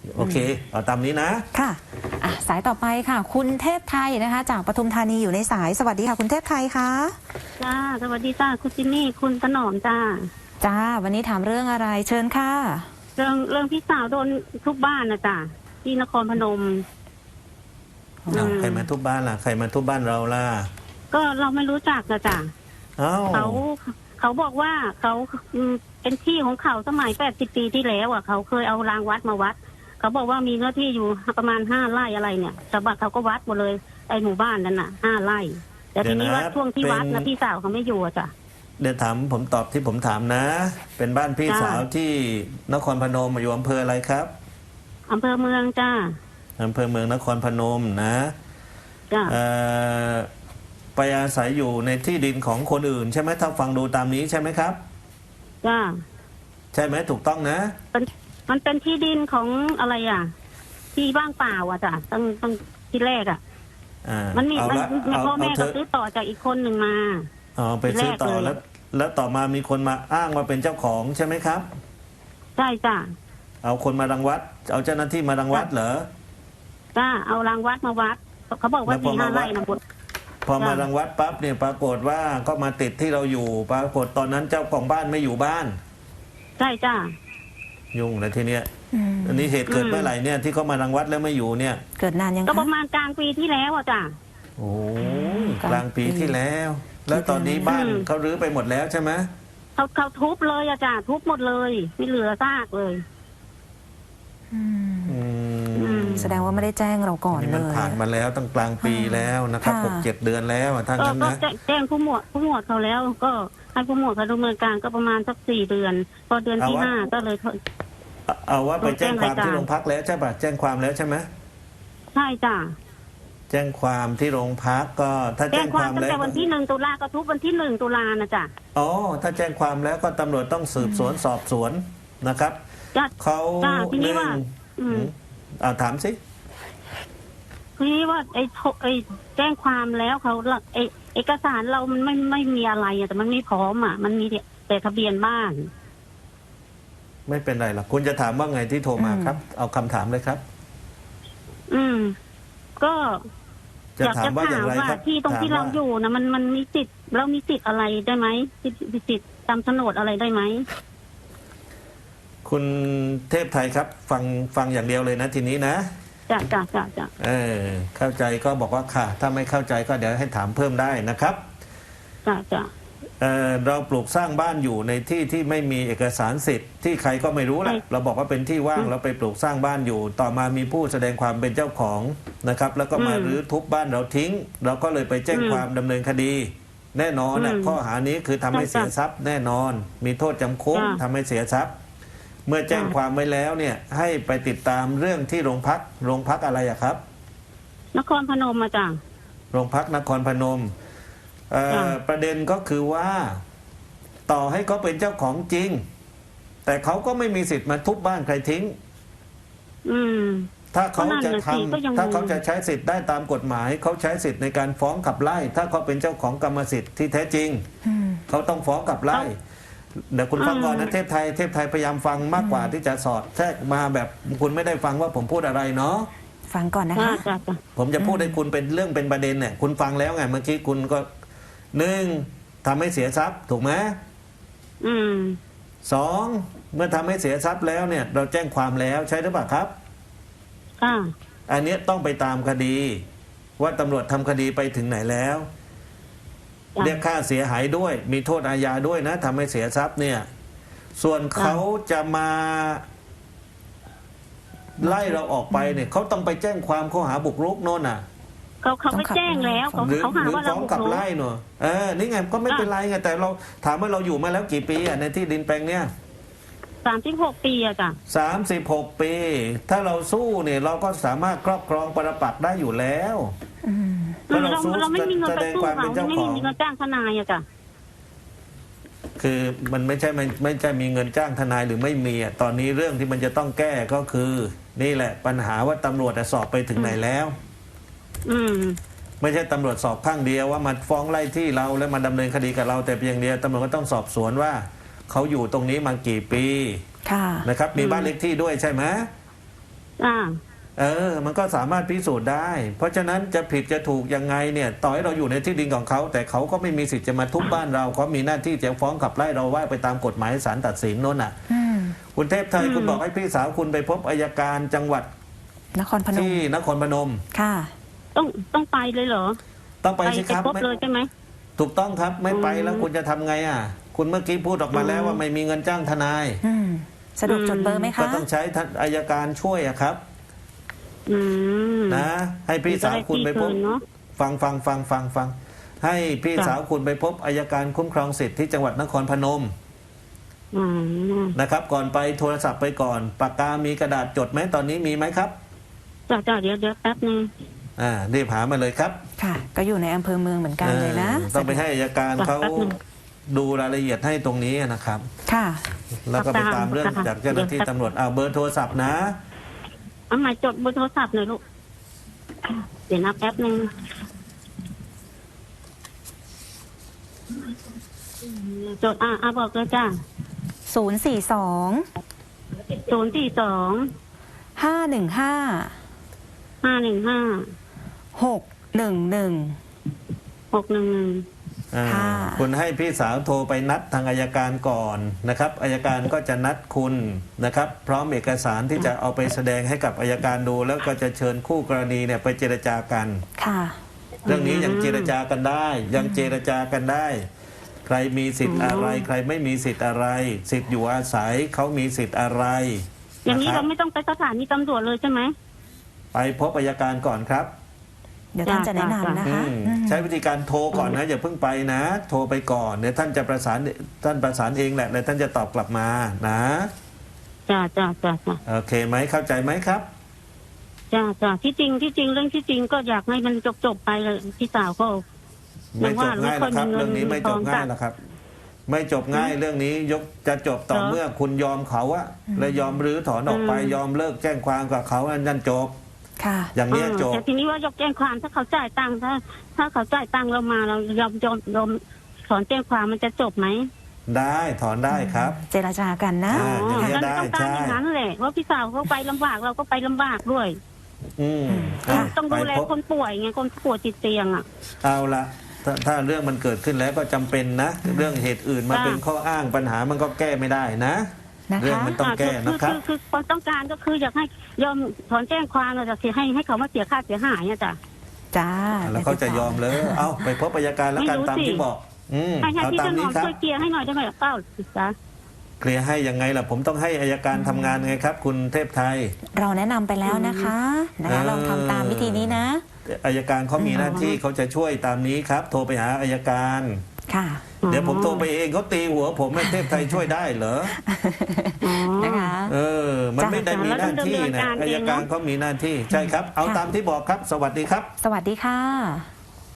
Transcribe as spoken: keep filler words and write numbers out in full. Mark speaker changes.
Speaker 1: โอเคเอาตามนี้นะ
Speaker 2: ค่ะอ่ะสายต่อไปค่ะคุณเทพไทยนะคะจากปทุมธานีอยู่ในสายสวัสดีค่ะคุณเทพไทยค่ะ
Speaker 3: จ้าสวัสดีจ้าคุณจินนี่คุณถนอมจ้า
Speaker 2: จ้าวันนี้ถามเรื่องอะไรเชิญค่ะ
Speaker 3: เรื่องเรื่องพี่สาวโดนทุบบ้านนะจ้าที่นครพนม
Speaker 1: ใครมาทุบบ้านล่ะใครมาทุบบ้านเราล่ะ
Speaker 3: ก็เราไม่รู้จักนะจ้าเขาเขาบอกว่าเขาเป็นที่ของเขาสมัยแปดสิบปีที่แล้วอ่ะเขาเคยเอารางวัดมาวัดเขาบอกว่ามีเนื้อที่อยู่ประมาณห้าไร่อะไรเนี่ยชาวบ้านเขาก็วัดหมดเลยไอ้หมู่บ้านนั้นน่ะห้าไร่แต่ทีนี้ว่าช่วงที่วัดนะพี่สาวเขาไม่อยู่อ่ะจ้ะ
Speaker 1: เดี๋ยวถามผมตอบที่ผมถามนะเป็นบ้านพี่สาวที่นครพนมอยู่อำเภออะไรครับ
Speaker 3: อำเภอเมืองจ้า
Speaker 1: อำเภอเมืองนครพนมนะ
Speaker 3: จ้า
Speaker 1: ไปอาศัยอยู่ในที่ดินของคนอื่นใช่ไหมถ้าฟังดูตามนี้ใช่ไหมครับ
Speaker 3: จ้า
Speaker 1: ใช่ไหมถูกต้องนะ
Speaker 3: มันเป็นที่ดินของอะไรอ่ะที่ว่างเปล่าอ่ะจ้ะตั้งตั้งที่แรกอ่ะมันมีมันพ่อแม่ก็ซื้อต่อจากอีกคนหนึ่งมา
Speaker 1: อ๋อไปซื้อต่อแล้วแล้วต่อมามีคนมาอ้างว่าเป็นเจ้าของใช่ไหมครับ
Speaker 3: ใช่จ้ะ
Speaker 1: เอาคนมารังวัดเอาเจ้าหน้าที่มารังวัดเหรอ
Speaker 3: จ้าเอารังวัดมาวัดเขาบอกว่าที่ห้าไร่นะบุตร
Speaker 1: พอมารังวัดปั๊บเนี่ยปรากฏว่าก็มาติดที่เราอยู่ปรากฏตอนนั้นเจ้าของบ้านไม่อยู่บ้าน
Speaker 3: ใช่จ้า
Speaker 1: ยุ่งเลยทีเนี้ยอันนี้เหตุเกิดเมื่อไหร่เนี่ยที่เขามารังวัดแล้วไม่อยู่เนี่ย
Speaker 2: เกิดนานยัง
Speaker 3: ก็ประมาณกลางปีที่แล้วอ่ะจ้ะ
Speaker 1: โอ้กลางปีที่แล้วแล้วตอนนี้บ้านเขารื้อไปหมดแล้วใช่ไหม
Speaker 3: เขาเขาทุบเลยอะจ้ะทุบหมดเลยไม่เหลือซากเลย
Speaker 2: แสดงว่าไม่ได้แจ้งเราก่อนเลย
Speaker 1: มันผ่านมาแล้วตั้งกลางปีแล้วนะครับหกเจ็ดเดือนแล้วทั้งนั้นนะ
Speaker 3: แจ้งผู้หมวดผู้หมวดเขาแล้วก็ให้ผู้หมวดเขาดำเนินการก็ประมาณสักสี่เดือนพอเดือนที่ห้าก็เลย
Speaker 1: เอาว่าไปแจ้งความที่โรงพักแล้วใช่ป่ะแจ้งความแล้วใช่ไหม
Speaker 3: ใช่จ้ะ
Speaker 1: แจ้งความที่โรงพักก็ถ้าแจ้งความ
Speaker 3: แล้วตั้งแต่วันที่หนึ่งตุลาก็ทุกวันที่หนึ่งตุลานะจ้ะ
Speaker 1: อ๋อถ้าแจ้งความแล้วก็ตำรวจต้องสืบสวนสอบสวนนะครับเขา
Speaker 3: ทีนี้ว่า
Speaker 1: เอาถามสิ
Speaker 3: ทีนี้ว่าไอ้ไอ้แจ้งความแล้วเขาไอ้เอกสารเรามันไม่ไม่มีอะไรแต่มันไม่พร้อมอ่ะมันมีแต่ทะเบียนบ้าน
Speaker 1: ไม่เป็นไรหรอกคุณจะถามว่าไงที่โทรมาครับเอาคำถามเลยครับ
Speaker 3: อืมก็
Speaker 1: จะถามว่าอย่างไรครับ
Speaker 3: ที่ตรงที่เราอยู่นะมันมันมีสิทธิ์เรามีสิทธิ์อะไรได้ไหมสิทธิ์สิทธิ์ตามโฉนดอะไรได้ไหม
Speaker 1: คุณเทพไทยครับฟังฟังอย่างเดียวเลยนะทีนี้นะ
Speaker 3: จ้ะจ้ะจ้ะจ้ะ
Speaker 1: เออเข้าใจก็บอกว่าค่ะถ้าไม่เข้าใจก็เดี๋ยวให้ถามเพิ่มได้นะครับ
Speaker 3: จ้ะจ้ะ
Speaker 1: เออเราปลูกสร้างบ้านอยู่ในที่ที่ไม่มีเอกสารสิทธิ์ที่ใครก็ไม่รู้แหละเราบอกว่าเป็นที่ว่างเราไปปลูกสร้างบ้านอยู่ต่อมามีผู้แสดงความเป็นเจ้าของนะครับแล้วก็มารื้อทุบบ้านเราทิ้งเราก็เลยไปแจ้งความดำเนินคดีแน่นอนนะข้อหานี้คือทำให้เสียทรัพย์แน่นอนมีโทษจำคุกทำให้เสียทรัพย์เมื่อแจ้งความไว้แล้วเนี่ยให้ไปติดตามเรื่องที่โรงพักโรงพักอะไรอะครับ
Speaker 3: นครพนมมาจ้ะ
Speaker 1: โรงพักนครพนมประเด็นก็คือว่าต่อให้เขาเป็นเจ้าของจริงแต่เขาก็ไม่มีสิทธิ์มาทุบบ้านใครทิ้งถ้าเขาจะทำถ้าเขาจะใช้สิทธิ์ได้ตามกฎหมายเขาใช้สิทธิ์ในการฟ้องขับไล่ถ้าเขาเป็นเจ้าของกรรมสิทธิ์ที่แท้จริงเขาต้องฟ้องขับไล่เดี๋ยวคุณฟังก่อนนะเทพไทยเทพไทยพยายามฟังมากกว่าที่จะสอดแทรกมาแบบคุณไม่ได้ฟังว่าผมพูดอะไรเนาะ
Speaker 2: ฟังก่อนนะคะ
Speaker 1: ผมจะพูดให้คุณเป็นเรื่องเป็นประเด็นเนี่ยคุณฟังแล้วไงเมื่อกี้คุณก็หนึ่งทำให้เสียทรัพย์ถูกไหม
Speaker 3: อืม
Speaker 1: สองเมื่อทำให้เสียทรัพย์แล้วเนี่ยเราแจ้งความแล้วใช่หรือเปล่าครับ
Speaker 3: ค่ะ
Speaker 1: อันนี้ต้องไปตามคดีว่าตำรวจทำคดีไปถึงไหนแล้วเรียกค่าเสียหายด้วยมีโทษอาญาด้วยนะทำให้เสียทรัพย์เนี่ยส่วนเขาจะมาไล่เราออกไปเนี่ยเขาต้องไปแจ้งความข้อหาบุกรุกโน่นน่ะ
Speaker 3: เขาเขาไม่แจ้งแล้วเขาเขาหาว่าเรา
Speaker 1: บุกรุกกับไล่เนอะเออนี่ไงก็ไม่เป็นไรไงแต่เราถามว่าเราอยู่มาแล้วกี่ปีอ่ะในที่ดินแปลงเนี้ย
Speaker 3: สามสิบหกปีอะจ้ะ
Speaker 1: สามสิบหกปีถ้าเราสู้เนี่ยเราก็สามารถครอบครองปรปักษ์ได้อยู่แล้ว
Speaker 3: เราเราไม่มีเงินไปสู้เขาไม่มีเงินจ้างทนายอะจ้ะ
Speaker 1: คือมันไม่ใช่ไม่ไม่ใช่มีเงินจ้างทนายหรือไม่มีอ่ะตอนนี้เรื่องที่มันจะต้องแก้ก็คือนี่แหละปัญหาว่าตำรวจสอบไปถึงไหนแล้ว
Speaker 3: อืม
Speaker 1: ไม่ใช่ตำรวจสอบข้างเดียวว่ามาฟ้องไล่ที่เราแล้วมาดำเนินคดีกับเราแต่เพียงเดียวตำรวจก็ต้องสอบสวนว่าเขาอยู่ตรงนี้มากี่ปีนะครับมีบ้านเลขที่ด้วยใช่ไหม
Speaker 3: อ่า
Speaker 1: เออ มันก็สามารถพิสูจน์ได้ เพราะฉะนั้นจะผิดจะถูกยังไงเนี่ย ต่อให้เราอยู่ในที่ดินของเขา แต่เขาก็ไม่มีสิทธิ์จะมาทุบบ้านเราเขามีหน้าที่จะฟ้องขับไล่เราว่าไปตามกฎหมายศาลตัดสินโน่นน่ะ
Speaker 2: อืม
Speaker 1: คุณเทพไทย
Speaker 3: อืม
Speaker 1: คุณบอกให้พี่สาวคุณไปพบอัยการจังหวัด
Speaker 2: นครพนม
Speaker 1: ที่นครพนม
Speaker 2: ค่ะ
Speaker 3: ต้องต้องไปเลยเหรอ
Speaker 1: ต้องไปสิครับ
Speaker 3: พบเลยใช่ไหม
Speaker 1: ถูกต้องครับไม่ไป
Speaker 3: อืม
Speaker 1: แล้วคุณจะทำไงอ่ะ คุณเมื่อกี้พูดออกมาแล้ว
Speaker 3: อืม
Speaker 1: ว่าไม่มีเงินจ้างทนาย
Speaker 2: อืมสะดวกจดเบอร์ไหม
Speaker 1: ก็
Speaker 2: คะ
Speaker 1: ต้องใช้ท่านอัยการช่วยอะครับ
Speaker 3: อืม
Speaker 1: นะให้พี่สาวคุณไปพบ
Speaker 3: จะด้ที่คืนเนอะ
Speaker 1: ฟังฟังฟังฟังฟังให้พี่
Speaker 3: จ้ะ
Speaker 1: สาวคุณไปพบอัยการคุ้มครองสิทธิ์ที่จังหวัดนครพนม
Speaker 3: อืม
Speaker 1: นะครับ ก่อนไปโทรศัพท์ไปก่อนปากกามีกระดาษจดไหมตอนนี้มีไหมครับ
Speaker 3: จ้าจ้าเดี๋ยวเดี๋ยวแป๊บนึง
Speaker 1: อ่ารีบหามาเลยครับ
Speaker 2: ค่ะ ก็อยู่ในอำเภอเมืองเหมือนกันเลยนะ
Speaker 1: ออต้องไปให้อัยการเขาดูรายละเอียดให้ตรงนี้นะครับ
Speaker 2: ค่ะ
Speaker 1: แล้วก็ไปตามเรื่องจากเจ้าหน้าที่ตำรวจเอาเบอร์โทรศัพท์นะ
Speaker 3: เอาหมายจดเบอร์โทรศัพท์หน่อยลูกเดี๋ยวนะแป๊บนึงจดอ่ะอ่ะบอกเลยจ้า
Speaker 2: ศูนย์ สี่ สอง
Speaker 3: ศูนย์สี่สอง
Speaker 2: ห้า หนึ่ง ห้า
Speaker 3: ห้าหนึ่งห้า
Speaker 2: หก หนึ่ง หนึ่ง
Speaker 3: หกหนึ่งหนึ่ง
Speaker 1: อ่า
Speaker 2: ค่ะ
Speaker 1: คุณให้พี่สาวโทรไปนัดทางอัยการก่อนนะครับอัยการก็จะนัดคุณนะครับ พร้อมเอกสารที่จะเอาไปแสดงให้กับอัยการดู แล้วก็จะเชิญคู่กรณีเนี่ยไปเจรจากัน
Speaker 2: ค่ะ
Speaker 1: เรื่องนี้ยังเจรจากันได้ ยังเจรจากันได้ ใครมีสิทธิ์อะไร ใครไม่มีสิทธิ์อะไร สิทธิ์อยู่อาศัยเขามีสิทธิ์อะไร
Speaker 3: อย่างนี้
Speaker 1: ะค
Speaker 3: เรา
Speaker 1: บ
Speaker 3: ไม่ต้องไปสถานีตำรวจเลยใช่ไหม
Speaker 1: ไปพบอัยการก่อนครับ
Speaker 2: เดี๋ยวท่านจะแนะนำนะ
Speaker 1: อื
Speaker 2: คะ
Speaker 1: ม
Speaker 2: อืม
Speaker 1: ใช้วิธีการโทรก่อนนะอย่าเพิ่งไปนะ โทรไปก่อนเดี๋ยวท่านจะประสานท่านประสานเองแหละแล้วท่านจะตอบกลับมานะ
Speaker 3: จ้าจ้าจ้าจ้า
Speaker 1: โอเคไหมเข้าใจไหมครับ
Speaker 3: จ้าจ้าที่จริงที่จริงเรื่องที่จริงก็อยากให้มันจบจบๆไปเลยพี่สาวก็
Speaker 1: ไม่จบง่ายหรอกครับ
Speaker 3: ไม่ค่อยมีเงิน
Speaker 1: เรื่องนี้ไม่จบง่ายหรอกครับ ไม่จบง่ายเรื่องนี้ยกจะจบต่อ
Speaker 3: เหรอ
Speaker 1: เมื่อคุณยอมเขาอะและยอมรื้อถอนออกไป
Speaker 3: อืม
Speaker 1: ยอมเลิกแจ้งความกับเขาอันนั้นจบ
Speaker 2: ค่ะ
Speaker 1: อย่างเนี้ยจบ
Speaker 3: แต่ทีนี้ว่ายกแจ้งความถ้าเขาจ่ายตังค์ถ้า ถ้าเขาจ่ายตังค์เรามาเรายอมยอมยอมถอนแจ้งความมันจะจบไหม
Speaker 1: ได้ถอนได้ครับ
Speaker 2: เจรจากันนะ
Speaker 1: อ่า
Speaker 3: อ๋อ
Speaker 1: อย่างเงี้ย
Speaker 3: เรา
Speaker 1: ได้
Speaker 3: ต้องการอย่าง
Speaker 1: ใช่
Speaker 3: นั้นแหละว่าพี่สาวเขาไปลำบากเราก็ไปลำบากด้วย
Speaker 1: อืม
Speaker 2: ค่ะ
Speaker 1: อ่ะ
Speaker 3: ต้อง
Speaker 1: ไป
Speaker 3: ดูแล
Speaker 1: พบ
Speaker 3: คนป่วยไงคนป่วยติดเตียงอ่ะ
Speaker 1: เอาละถ้าถ้าเรื่องมันเกิดขึ้นแล้วก็จำเป็นนะ เรื่องเหตุอื่นมา
Speaker 3: ค่ะ
Speaker 1: เป็นข้ออ้างปัญหามันก็แก้ไม่ได้นะ
Speaker 2: นะคะ
Speaker 1: เรื่องมันต้องแก้
Speaker 3: คื
Speaker 1: นะครับ
Speaker 3: คือคือความต้องการก็คืออยากให้ยอมถอนแจ้งความเราจะเสียให้ให้เขามาเสียค่าเสียหายอ่ะจ้ะ
Speaker 2: จ้า
Speaker 1: แล้วเขาจะยอมเลย เอาไปพบอัยการแล้วกัน
Speaker 3: ไม่รู้
Speaker 1: ตาม
Speaker 3: สิ
Speaker 1: ที่บอก อืม
Speaker 3: ให้ให้
Speaker 1: เอา
Speaker 3: พี่
Speaker 1: ตา
Speaker 3: ถ
Speaker 1: ม
Speaker 3: น
Speaker 1: นี้
Speaker 3: อม
Speaker 1: ครับ
Speaker 3: ช่วยเคลียร์ให้หน่อยได้ไหมเป้าจ้ะ
Speaker 1: เคลียร์ให้ยังไงล่ะ ผมต้องให้อัยการทำงานไงครับ คุณเทพไทย
Speaker 2: เราแนะนำไปแล้วนะคะนะคะ
Speaker 1: เออ
Speaker 2: ลองทำตามวิธีนี้นะ
Speaker 1: อัยการเขามีหน้าที่เขาจะช่วยตามนี้ครับ โทรไปหาอัยการ
Speaker 2: ค่ะ
Speaker 1: เดี๋ยวผมโทรไปเองเขาตีหัวผมให้เทพไทยช่วยได้เหรอ
Speaker 3: อ๋อ
Speaker 2: นะคะ
Speaker 1: เออ มัน
Speaker 2: จ้ะ
Speaker 1: ไม่ได้มีหน้าที่นะ
Speaker 3: แล้วดำเนินการ
Speaker 1: อั
Speaker 3: เอย งเนอะ
Speaker 1: การเขามีหน้าที่ใช่ครับ เอา
Speaker 2: ค่ะ
Speaker 1: ตามที่บอกครับ สวัสดีครับ
Speaker 2: สวัสดีค่ะ